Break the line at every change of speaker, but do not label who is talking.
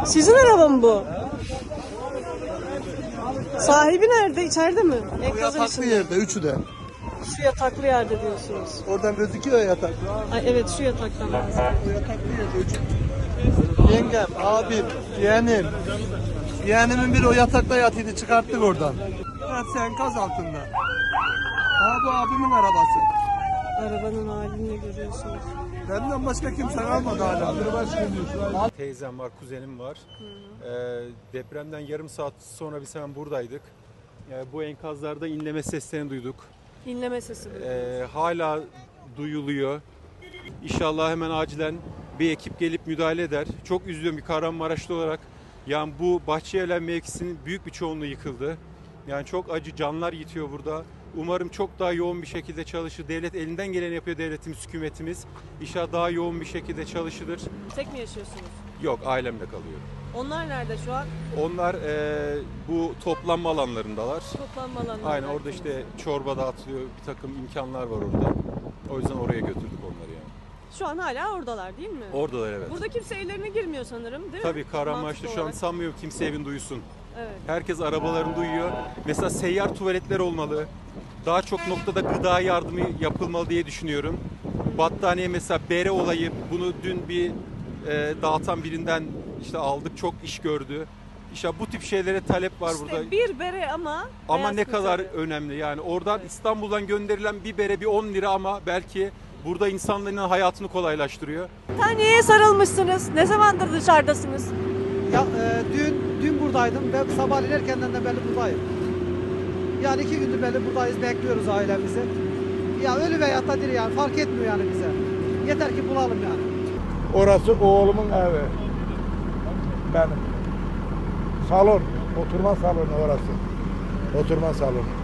Sizin araba mı bu? Sahibi nerede? İçeride mi?
O
Enkazın
yataklı
içinde.
yerde, üçü de.
Şu yataklı yerde diyorsunuz.
Oradan gözüküyor ya yatak.
Ay evet, şu yataktan bahsediyorum.
O yataklı yerde, üçü. Yengem, abim, yeğenim. Yeğenimin biri o yatakta yatıydı, çıkarttık oradan. Hepsi enkaz altında. Bu abimin arabası.
Arabanın halini görüyorsunuz.
Benden başka kimse kalmadı hala.
Teyzem var, kuzenim var. Depremden yarım saat sonra biz hemen buradaydık. Bu enkazlarda inleme seslerini duyduk.
İnleme sesi bu.
Hala duyuluyor. İnşallah hemen acilen bir ekip gelip müdahale eder. Çok üzülüyorum bir Kahramanmaraşlı olarak. Yani bu Bahçelievler mevkisinin büyük bir çoğunluğu yıkıldı. Yani çok acı canlar yitiyor burada. Umarım çok daha yoğun bir şekilde çalışır. Devlet elinden geleni yapıyor, devletimiz, hükümetimiz. İnşallah daha yoğun bir şekilde çalışılır.
Tek mi yaşıyorsunuz?
Yok, ailemle kalıyor.
Onlar nerede şu an?
Onlar bu toplanma alanlarındalar.
Toplanma alanlarında.
Aynen, orada işte çorba dağıtılıyor, bir takım imkanlar var orada. O yüzden oraya götürdük onları yani.
Şu an hala oradalar değil mi?
Oradalar, evet.
Burada kimse evlerine girmiyor sanırım, değil mi?
Tabii Kahramanmaraş'ta
Mantıklı
şu an
olarak.
sanmıyorum kimse evin duysun.
Evet.
Herkes arabalarını duyuyor. Mesela seyyar tuvaletler olmalı. Daha çok noktada gıda yardımı yapılmalı diye düşünüyorum. Battaniye mesela bere olayı, bunu dün bir dağıtan birinden işte aldık, çok iş gördü. İşte bu tip şeylere talep var burada.
İşte bir bere ama beyaz
Ne kadar
kurtarıyor.
önemli yani oradan İstanbul'dan gönderilen bir bere bir 10 lira ama belki burada insanların hayatını kolaylaştırıyor.
Taneye sarılmışsınız. Ne zamandır dışarıdasınız?
Ya, dün buradaydım. Ben sabahleyin erkenden de belli buradayım. Yani 2 gündür belli buradayız, bekliyoruz ailemizi. Ya ölü veya da diri yani fark etmiyor yani bize. Yeter ki bulalım yani.
Orası oğlumun evi. Benim. Salon, oturma salonu orası. Oturma salonu.